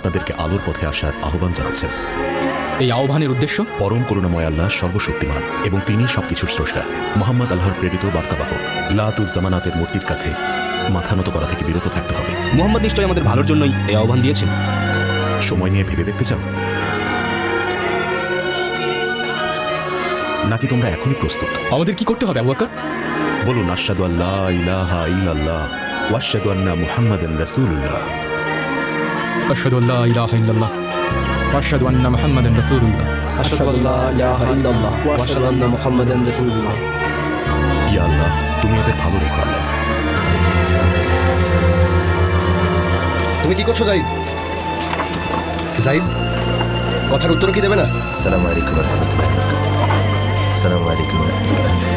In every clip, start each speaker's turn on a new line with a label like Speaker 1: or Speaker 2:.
Speaker 1: আপনাদেরকে আলোর পথে আসার আহ্বান জানাচ্ছেন।
Speaker 2: এই আহ্বানের উদ্দেশ্য?
Speaker 1: পরম করুণাময় আল্লাহ সর্বশক্তিমান এবং তিনি সবকিছুর স্রষ্টা। মোহাম্মদ আল্লাহর প্রেরিত বার্তাবাহক। লাতুজ্জামানাতের মূর্তির কাছে মাথা নত করা থেকে বিরত থাকতে হবে।
Speaker 2: মোহাম্মদ নিশ্চয়ই আমাদের ভালোর জন্যই এই আহ্বান দিয়েছেন।
Speaker 1: সময় নিয়ে ভেবে দেখতে চাও নাকি তোমরা এখনই প্রস্তুত?
Speaker 2: আমাদের কি করতে হবে আবু বকর?
Speaker 1: বলুন, আশহাদু আল্লা ইলাহা ইল্লাল্লাহ ওয়া আশহাদু আন্না মুহাম্মাদান রাসূলুল্লাহ।
Speaker 2: আশহাদু আল্লা ইলাহা ইল্লাল্লাহ ওয়া আশহাদু আন্না মুহাম্মাদান রাসূলুল্লাহ।
Speaker 3: আশহাদু আল্লা ইলাহা ইল্লাল্লাহ ওয়া আশহাদু আন্না মুহাম্মাদান রাসূলুল্লাহ।
Speaker 1: ইয়া আল্লাহ, তুমি এদের ভালো রেখো আল্লাহ।
Speaker 3: তুমি কি করছো জাহিদ? জাহিদ, কথার উত্তর কি দেবে না?
Speaker 4: আসসালামু আলাইকুম ওয়া রাহমাতুল্লাহি ওয়া বারাকাতুহু। আসসালামু আলাইকুম ওয়া রাহমাতুল্লাহি ওয়া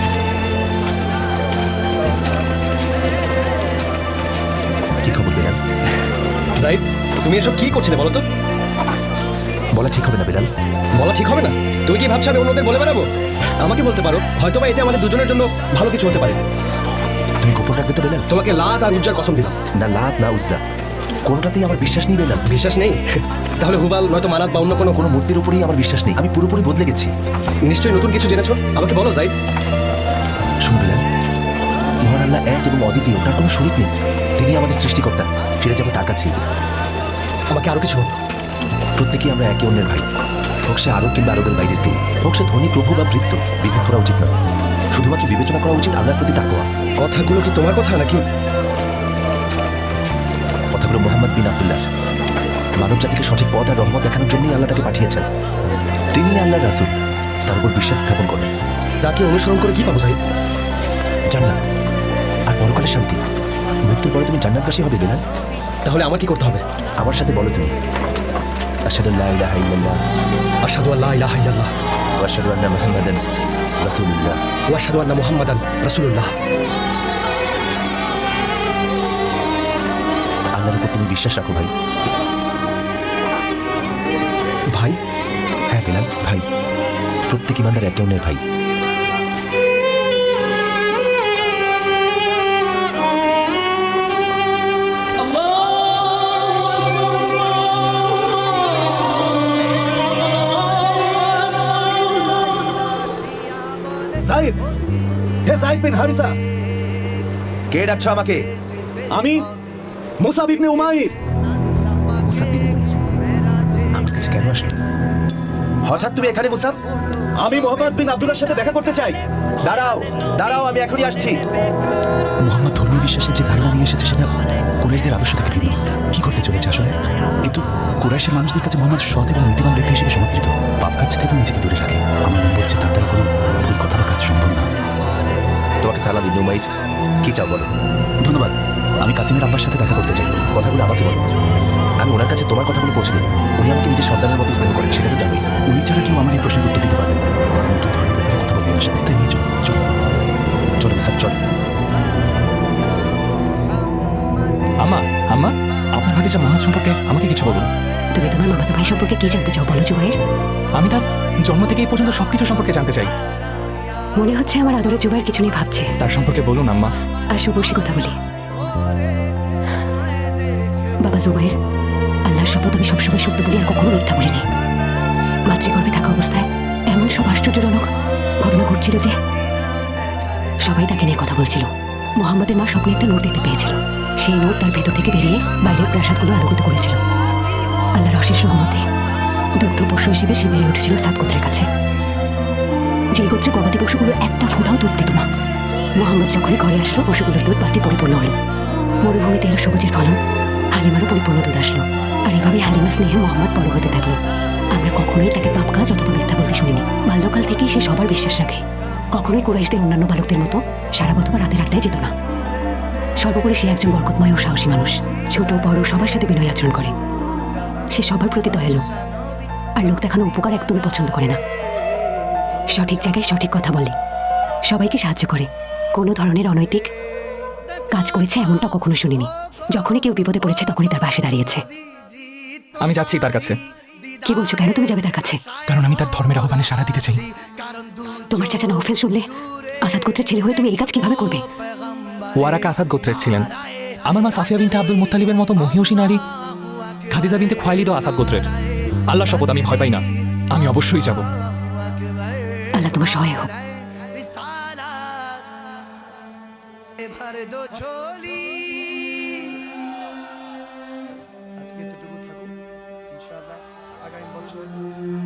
Speaker 4: বারাকাতুহু। কি খবর বিলাল?
Speaker 3: জাহিদ, তুমি এসব কি করছিলে বলো তো?
Speaker 4: বলা ঠিক হবে না বিলাল।
Speaker 3: বলা ঠিক হবে না? তুমি কি ভাবছো আমি অন্যদের বলে বেড়াবো? আমাকে বলতে পারো, হয়তো বা এতে আমাদের দুজনের জন্য ভালো কিছু হতে পারে।
Speaker 4: তুমি গোপন রাখবে তো বিলাল?
Speaker 3: তোমাকে লাত আর উজ্জার কসম দিলাম।
Speaker 4: না লাত না উজ্জা, কোনোটাতেই আমার বিশ্বাস নেই বিলাল।
Speaker 3: বিশ্বাস নেই? তাহলে হুবাল নয়তো মানাত বা অন্য কোনো
Speaker 4: মূর্তির উপরেই আমার বিশ্বাস নেই। আমি পুরোপুরি বদলে গেছি।
Speaker 3: নিশ্চয়ই নতুন কিছু জেনেছো, আমাকে বলো জাহিদ।
Speaker 4: শুনো বিলাল, মহান আল্লাহ এক এবং অদ্বিতীয়, তার কোনো শরীক নেই। তিনি আমাদের সৃষ্টিকর্তা। ফিরে যাবো তার কাছেই।
Speaker 3: আমাকে আরো কিছু বলো।
Speaker 4: প্রত্যেকেই আমরা একে অন্যের ভাই। হোক সে আরব কিংবা আরবের বাইরের কেউ, হোক সে ধনী প্রভু বা ভৃত্য, বিভেদ করা উচিত নয়। শুধুমাত্র বিবেচনা করা উচিত আল্লাহর প্রতি তাকওয়া।
Speaker 3: কথাগুলো কি তোমার কথা নাকি?
Speaker 4: কথাগুলো মোহাম্মদ বিন আব্দুল্লাহ। মানব জাতিকে সঠিক পথ আর রহমত দেখানোর জন্যই আল্লাহ তাকে পাঠিয়েছেন। তিনি আল্লাহর রাসূল, তার উপর বিশ্বাস স্থাপন করেন।
Speaker 3: তাকে অনুসরণ করে কি পাবো জাহিদ?
Speaker 4: জান্নাত আর পরকালের শান্তি। মৃত্যুর পরে তুমি জান্নাতবাসী হবে বিলাল।
Speaker 3: তাহলে আমার কি করতে হবে?
Speaker 4: আমার সাথে বলো তুমি, আশহাদু আল্লা ইলাহা ইল্লাল্লাহ
Speaker 3: আশহাদু আল্লা ইলাহা ইল্লাল্লাহ
Speaker 4: ওয়া আশহাদু আন্না মুহাম্মাদান রাসূলুল্লাহ।
Speaker 3: ওয়া আশহাদু আন্না মুহাম্মাদান রাসূলুল্লাহ।
Speaker 4: আল্লাহর উপর তুমি বিশ্বাস রাখো ভাই।
Speaker 3: ভাই?
Speaker 4: হ্যাঁ বিলাল, ভাই। প্রত্যেক ইমানদার একে অন্যের ভাই।
Speaker 5: জাহিদ, হে জাহিদ বিন হারিসা।
Speaker 4: কে ডাকছো আমাকে?
Speaker 5: আমি মুসাব ইবনে উমাইর।
Speaker 4: মুসাব বিন উমাইর আমার কাছে কেন আসলো? হঠাৎ তুমি এখানে মুসাব?
Speaker 5: আমি মোহাম্মদ বিন আব্দুল্লাহর সাথে দেখা করতে চাই।
Speaker 4: দাঁড়াও দাঁড়াও, আমি এখনই আসছি।
Speaker 6: মোহাম্মদ ধর্মীয় বিশ্বাসের যে ধারণা নিয়ে এসেছে সেটা কুরাইশদের আদর্শ থেকে ভিন্ন। কি করতে চলেছে আসলে? কিন্তু কুরাইশের মানুষদের কাছে মোহাম্মদ সৎ এবং নীতিবান ব্যক্তি হিসেবে সমাদৃত। পাপ কাজ থেকেও নিজেকে দূরে রাখে। আমার মন বলছে তার দ্বারা কোনো ভুল কথা বা কাজ সম্ভব না।
Speaker 4: তোমাকে সালাম ইবনে উমাইর। কি চাও বলো?
Speaker 6: ধন্যবাদ। আমি কাসিমের আব্বার সাথে দেখা করতে চাই।
Speaker 4: কথাগুলো আমাকে বলো। আমি ওনার কাছে তোমার কথাগুলো পৌঁছে দেবো। উনি আমাকে নিজের সন্তানের মতো স্নেহ করেন, সেটা তো জানোই।
Speaker 6: উনি ছাড়া কেউ আমার এই প্রশ্নের উত্তর দিতে পারবেন না। নতুন ধর্মের ব্যাপারে কথা বলবি ওনার সাথে। তাই নিয়ে চলো চলো
Speaker 4: চলো মুসাব, চলো।
Speaker 2: আম্মা, আম্মা, আপনার ভাতিজা মোহাম্মদ সম্পর্কে আমাকে কিছু বলুন।
Speaker 7: তুমি তোমার মামাতো ভাই সম্পর্কে কি জানতে চাও বলো জুবাইর?
Speaker 2: আমি তার জন্ম থেকে এই পর্যন্ত সবকিছু সম্পর্কে জানতে চাই।
Speaker 7: মনে হচ্ছে আমার আদরে জুবাইর কিছু নিয়ে ভাবছে।
Speaker 2: তার সম্পর্কে বলুন আম্মা।
Speaker 7: আসো বসে কথা বলি। বাবা জুবাইর, আল্লাহর শপথ আমি সবসময় সত্য বলি আর কখনো মিথ্যা বলিনি। মাতৃগর্ভে থাকা অবস্থায় এমন সব আশ্চর্যজনক ঘটনা ঘটছিল যে সবাই তাকে নিয়ে কথা বলছিল। মোহাম্মদের মা স্বপ্নে একটা নোট দেখতে পেয়েছিল। সেই নোট তার ভেতর থেকে বেরিয়ে বাইরের প্রাসাদগুলো আলোকিত করেছিল। আল্লাহর অশেষ রহমতে দুগ্ধ পশু হিসেবে সে বেড়ে উঠেছিল সাত গোত্রের কাছে। যে গোত্রে গবাদি পশুগুলো একটা ফোঁটাও দুধ দিত না। মোহাম্মদ যখনই ঘরে আসলো পশুগুলোর দুধ বাটি পরিপূর্ণ হলো। মরুভূমিতে এলো সবুজের ফলন, হালিমারও পরিপূর্ণ দুধ আসলো। আর এভাবে হালিমার স্নেহে মোহাম্মদ বড় হতে থাকলো। আমরা কখনোই তাকে পাপ কাজ অথবা মিথ্যা বলতে শুনিনি। বাল্যকাল থেকেই সে সবার বিশ্বাস রাখে। কখনোই কুরাইশদের অন্যান্য বালকদের মতো সারা বছর রাতের আড্ডায় যেত না। সর্বোপরি সে একজন বরকতময় ও সাহসী মানুষ। ছোট বড় সবার সাথে বিনয় আচরণ করে। সে সবার প্রতি দয়ালু আর লোক দেখানো উপকার একদমই পছন্দ করে না। সঠিক জায়গায় সঠিক কথা বলে, সবাইকে সাহায্য করে। কোনো ধরনের অনৈতিক কাজ করেছে এমনটা কখনো শুনিনি। যখনই কেউ বিপদে পড়েছে তখনই তার পাশে দাঁড়িয়েছে।
Speaker 2: আমি যাচ্ছি তার কাছে।
Speaker 7: কি বলছো? কেন তুমি যাবে তার কাছে?
Speaker 2: কারণ আমি তার ধর্মের আহ্বানে সাড়া দিতে চাই।
Speaker 7: তোমার চাচা নওফেল শুনলে আসাদ গোত্রের ছেলে হয়ে তুমি এই কাজ কিভাবে করবে?
Speaker 2: ওয়ারাকা আসাদ গোত্রের ছিলেন। আমার মা সাফিয়া বিনতে আব্দুল মুত্তালিবের মতো মহিয়সী নারী খাদিজা বিনতে খোয়াইলিদ ও আসাদ গোত্রের। আল্লাহ শপথ আমি ভয় পাই না, আমি অবশ্যই যাব।
Speaker 7: আল্লাহ তোমার সহায় হোক।
Speaker 8: ভর দো ঝোলি আজকে এতটুকু থাকুক ইনশাআল্লাহ আগামী বছর